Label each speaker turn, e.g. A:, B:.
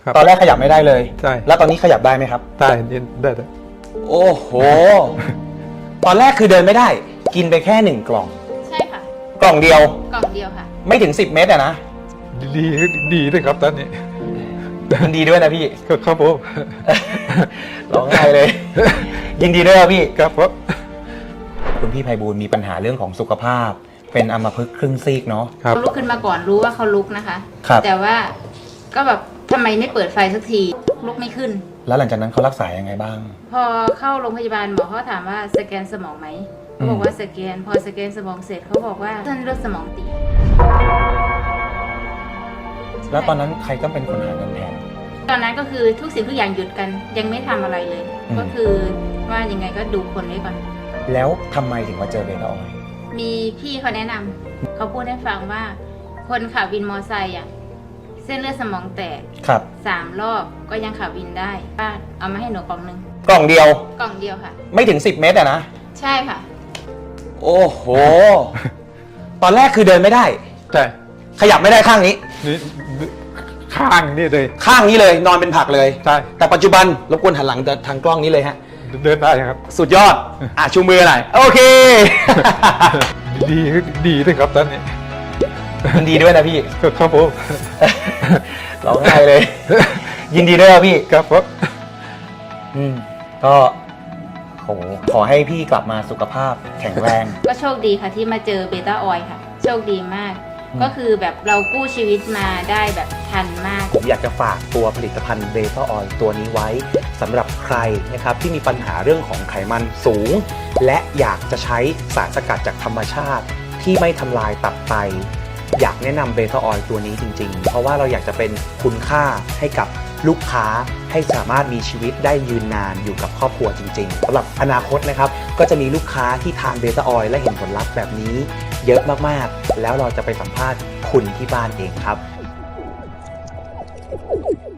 A: ตอนแรกขยับไม่ได้เลย
B: ใช่
A: แล้วตอนนี้ขยับได้ไหมครับ
B: ได้ได้
A: โอ้โหตอนแรกคือเดินไม่ได้กินไปแค่1กล่อง
C: ใช่ค่ะ
A: กล่องเดียว
C: ค่ะ
A: ไม่ถึง10 เม็ดอะนะ
B: ดีด้วยครับตอนนี้
A: มันดีด้วยนะพี่
B: ครับผม
A: ร้องไห้เลยยินดีด้วยครับพี่
B: ครับผม
A: คุณพี่ไพบูลย์มีปัญหาเรื่องของสุขภาพเป็นอัมพฤกษ์ครึ่งซีกเนาะ
C: เขาลุกขึ้นมาก่อนรู้ว่าเขาลุกนะคะแต่ว่าก็แบบทำไมไม่เปิดไฟสักทีลุกไม่ขึ้น
A: แล้วหลังจากนั้นเขารักษายังไงบ้าง
C: พอเข้าโรงพยาบาลหมอเขาถามว่าสแกนสมองไหมเขาบอกว่าสแกนพอสแกนสมองเสร็จเขาบอกว่าเส้นเลือดสมองตีบ
A: แล้วตอนนั้นใครต้องเป็นคนหาเงินแทน
C: ตอนนั้นก็คือทุกสิ่งทุกอย่างหยุดกันยังไม่ทำอะไรเลยก็คือว่ายังไงก็ดูคนไว้ก่อน
A: แล้วทำไมถึงมาเจอเบต้าออยล์
C: มีพี่เขาแนะนำเขาพูดให้ฟังว่าคนขับวินมอไซค์เส้นเลือดสมองแตก3 รอบก็ยังขับวินได้ป้าเอามาให้หนูกล่องนึง
A: กล่องเดียว
C: ค่ะ
A: ไม่ถึง10 เม็ดอะนะ
C: ใช่ค่ะ
A: โอ้โหตอนแรกคือเดินไม่ได้
B: ใช่
A: ขยับไม่ได้ข้างนี้
B: นี่ข้างนี่เลย
A: ข้างนี้เลยนอนเป็นผักเลย
B: ใช่
A: แต่ปัจจุบันรบกวนหันหลังทางกล้องนี้เลยฮะ
B: เดินได้ครับ
A: สุดยอดชูมือหน่อยโอเค
B: ดีด้วยครับตอนนี้
A: มันดีด้วยนะพี่
B: ครับผม
A: ร้องไห้เลยยินดีด้วยครับพี่
B: ครับผม
A: ก็ขอให้พี่กลับมาสุขภาพแข็งแรง
C: ก็โชคดีค่ะที่มาเจอเบต้าออยล์ค่ะโชคดีมากก็คือแบบเรากู้ชีวิตมาได้แบบทันมาก
A: ผมอยากจะฝากตัวผลิตภัณฑ์เบต้าออยล์ตัวนี้ไว้สำหรับใครนะครับที่มีปัญหาเรื่องของไขมันสูงและอยากจะใช้สารสกัดจากธรรมชาติที่ไม่ทำลายตับไตอยากแนะนำเบต้าออยล์ตัวนี้จริงๆเพราะว่าเราอยากจะเป็นคุณค่าให้กับลูกค้าให้สามารถมีชีวิตได้ยืนนานอยู่กับครอบครัวจริงๆสำหรับอนาคตนะครับก็จะมีลูกค้าที่ทานเบต้าออยล์และเห็นผลลัพธ์แบบนี้เยอะมากๆแล้วเราจะไปสัมภาษณ์คุณที่บ้านเองครับ